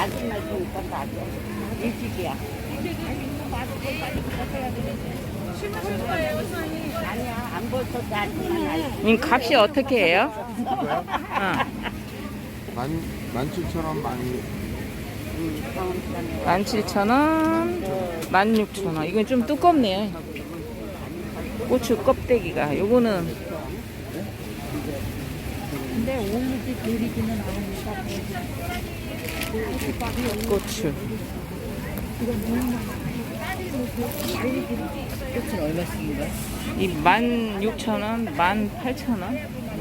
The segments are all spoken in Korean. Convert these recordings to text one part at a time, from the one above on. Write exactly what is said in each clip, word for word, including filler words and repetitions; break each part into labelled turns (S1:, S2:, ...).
S1: 아줌마 주니까 맞아. 일찍이야. 아니야, 안 벌써 아줌마.
S2: 님 값이 어떻게 해요? 어.
S3: 만, 만 칠천 원, 만,
S2: 만 칠천 원, 만 육천 원. 이건 좀 두껍네요. 고추 껍데기가. 요거는
S1: 근데 올리지 들이지는 않으니까.
S2: 고추.
S1: 꽃은 얼마씩인가?
S2: 이 만 육천 원, 만 팔천 원.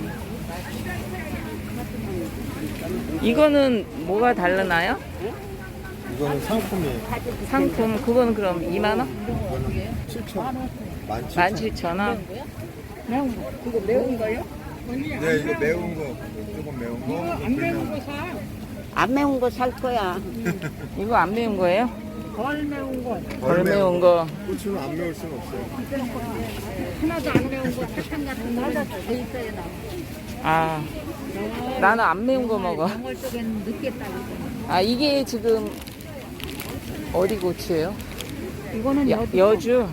S2: 이거는 뭐가 다르나요?
S3: 이거는 상품이에요.
S2: 상품 그건 그럼 이만 원?
S3: 이거는 칠천 원. 만
S2: 만
S3: 칠천
S2: 칠천 원.
S1: 매운 거. 그거 매운 거요?
S3: 원. 네, 이거 매운 거. 조금 매운 거. 안 매운 거.
S1: 안 매운 거 살 거야.
S2: 이거 안 매운 거예요?
S1: 덜 매운 거.
S2: 덜 매운 거.
S3: 고추는 안 매울 수는 없어요.
S1: 하나도 안 매운 거 사탕 같은 거 하나 더 있어야 나.
S2: 아, 나는 안 매운 거 먹어.
S1: 영월 쪽에는 늦겠다고.
S2: 아, 이게 지금 어디 고추예요?
S1: 이거는
S2: 여, 여주.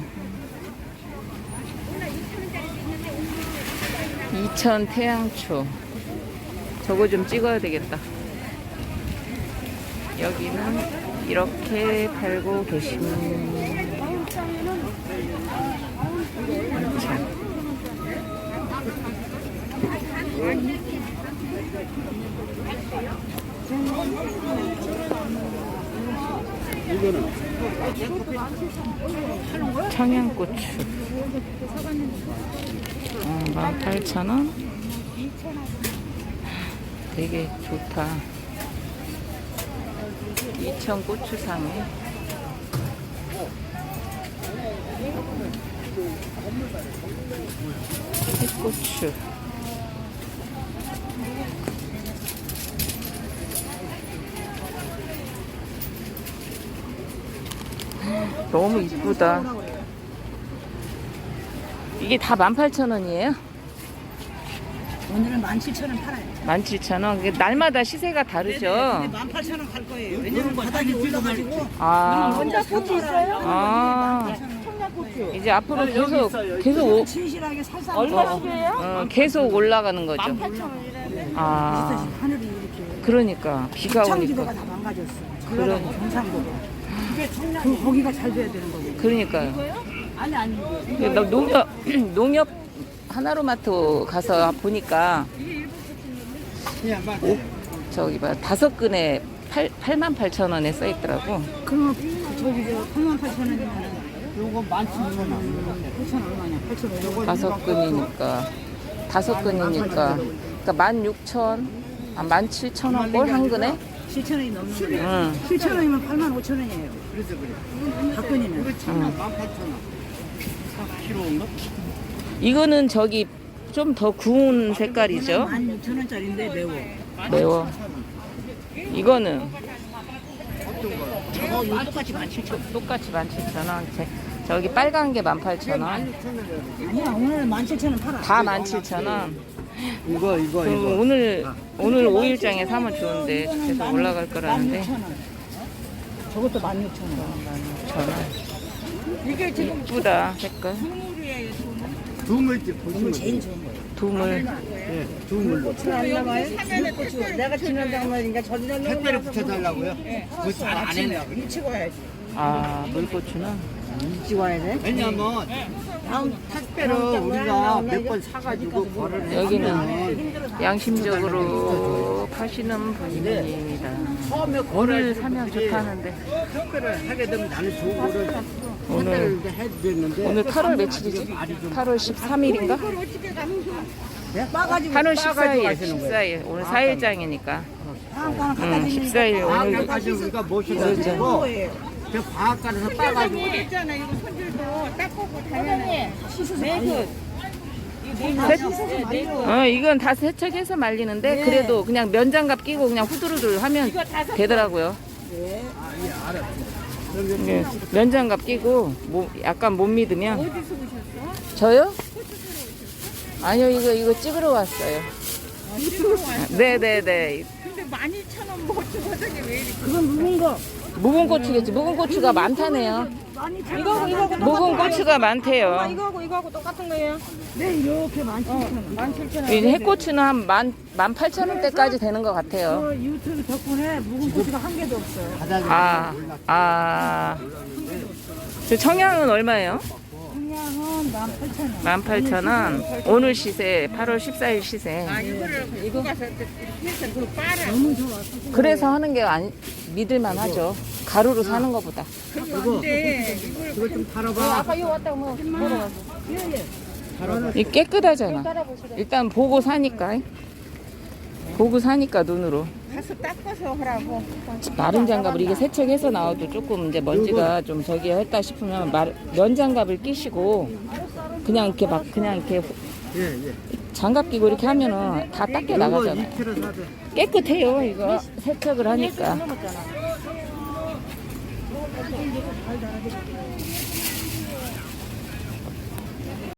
S2: 이천 태양초. 저거 좀 찍어야 되겠다. 여기는 이렇게 팔고 계십니다. 청양고추 어, 만 팔천 원. 되게 좋다. 이천 고추상에 햇고추. 너무 이쁘다. 이게 다 만 팔천 원이에요?
S1: 오늘은 만 칠천 원 팔아요.
S2: 만 칠천 원. 날마다 시세가 다르죠?
S1: 만 팔천 원 갈 거예요. 왜냐면 바닥이 올라가지고.
S2: 아,
S1: 청양고추 있어요?
S2: 아,
S1: 청양고추.
S2: 이제 앞으로 계속 계속 오,
S1: 진실하게 살살.
S2: 어, 어, 계속 올라가는 거죠. 아,
S1: 하늘이 이렇게.
S2: 그러니까 비가
S1: 청지대가
S2: 오니까.
S1: 다 망가졌어.
S2: 그런-
S1: 그러고 경상도가. 그 거기가 잘 돼야 되는 거고.
S2: 그러니까요.
S1: 아니 아니.
S2: 나 농협 농협 하나로마트 가서 보니까 오, 저기 봐 다섯 근에 팔 팔만 팔천 원에 써 있더라고.
S1: 그럼 저기 저 팔만 팔천 원이면 요거 만 칠천 원. 팔천 얼마냐? 팔천 원.
S2: 다섯 근이니까 다섯 근이니까 그러니까 만 육천 아, 만 칠천 원 꼴 한 근에.
S1: 칠천 원이 넘는 거예요.
S2: 응.
S1: 칠천 원이면 팔만 오천 원이에요. 그래서 그래. 박근이면.
S2: 응.
S1: 만 팔천 원. 키로인가?
S2: 이거는 저기 좀 더 구운 색깔이죠.
S1: 만 육천 원짜리인데 매워.
S2: 매워. 이거는
S1: 저거 요 똑같이 만 칠천 원.
S2: 똑같이 만 칠천 원. 제- 저기 빨간 게 만 팔천 원.
S1: 아니야 오늘 만 칠천 원 팔아.
S2: 다 만 칠천 원.
S3: 이거, 이거,
S2: 그럼 오늘 오늘 오 일장에 사면 좋은데 계속 올라갈 거라는데.
S1: 만 육천 원. 저것도 만 육천 원.
S2: 만 육천 원.
S1: 이게 지금
S2: 이쁘다 색깔.
S3: 두물집 보시면
S1: 제일 좋은 거예요.
S2: 두물.
S3: 예, 두물로.
S1: 안 나와요? 고추. 내가 지난달 말인가 저기다
S3: 택배를 붙여달라고요? 그거 안 했나 그래?
S1: 일찍 와야지.
S2: 아 물고추는
S1: 일찍 와야 돼?
S3: 왜냐면
S1: 다음
S3: 택배를 우리가 몇 번 사가지고 거를
S2: 여기는 양심적으로 파시는 분입니다.
S3: 처음에
S2: 오늘 사면 좋다는데
S3: 택배를 하게 되면 나는 좋은 거를
S2: 오늘
S3: 택배를 이제 해야 되는데
S2: 오늘 팔월 며칠이지? 팔월 십삼일인가?
S1: 빠가지고
S2: 팔월
S3: 싸가지고
S2: 십사일.
S3: 가시는 거예요.
S2: 십사일. 오늘 사 일장이니까.
S1: 방앗간 갖다
S2: 응,
S1: 주면
S2: 십사일 오늘
S3: 방학까지 우리가 모셔가지고
S1: 거예요.
S3: 저 방학간에서 따가지고
S4: 있잖아. 이거 손질도 닦고 다녀요.
S2: 어 이건 다 세척해서 말리는데 그래도 그냥 면장갑 끼고 그냥 후두루들 하면 되더라고요. 네, 면장갑 끼고 뭐 약간 못 믿으면.
S4: 어디서 오셨어?
S2: 저요? 아니요 이거 이거 찍으러 왔어요. 네네네.
S4: 근데 만 이천 원 뭐 주거든요. 왜 이렇게.
S1: 그건 묵은 거.
S2: 묵은 고추겠지. 묵은 고추가 많다네요.
S1: 이거하고 이거하고
S2: 묵은 고추가 많대요.
S1: 이거하고 이거하고 똑같은 거예요? 네, 이렇게 만 칠천 원. 만 칠천 원.
S2: 이 해고추는 한 만, 만 팔천 원대까지 되는 것 같아요.
S1: 저 유튜브 덕분에 묵은 고추가 한 개도 없어요.
S2: 아, 아. 저 청양은 얼마예요?
S1: 그냥은 만 팔천 원.
S2: 만 팔천 원. 오늘 시세, 팔월 십사일 시세.
S4: 아 이거를 이거 가서 이렇게 해서 그 빨아.
S1: 너무 좋아.
S2: 그래서 하는 게 아니, 믿을만 하죠. 가루로 사는 것보다.
S4: 근데 이걸
S1: 이거 좀 달아봐.
S2: 아까 이거 왔다고 뭐, 물어봤어.
S1: 예, 예.
S2: 이 깨끗하잖아. 일단 보고 사니까. 보고 사니까 눈으로.
S4: 가서 닦아서 하라고.
S2: 마른 장갑을 이게 세척해서 나와도 조금 이제 먼지가 좀 저기 했다 싶으면 말, 면 장갑을 끼시고 그냥 이렇게 막 그냥 이렇게
S1: 예, 예.
S2: 장갑 끼고 이렇게 하면은 다 닦여 나가잖아요.
S1: 이 킬로그램 사대.
S2: 깨끗해요 이거 세척을 하니까.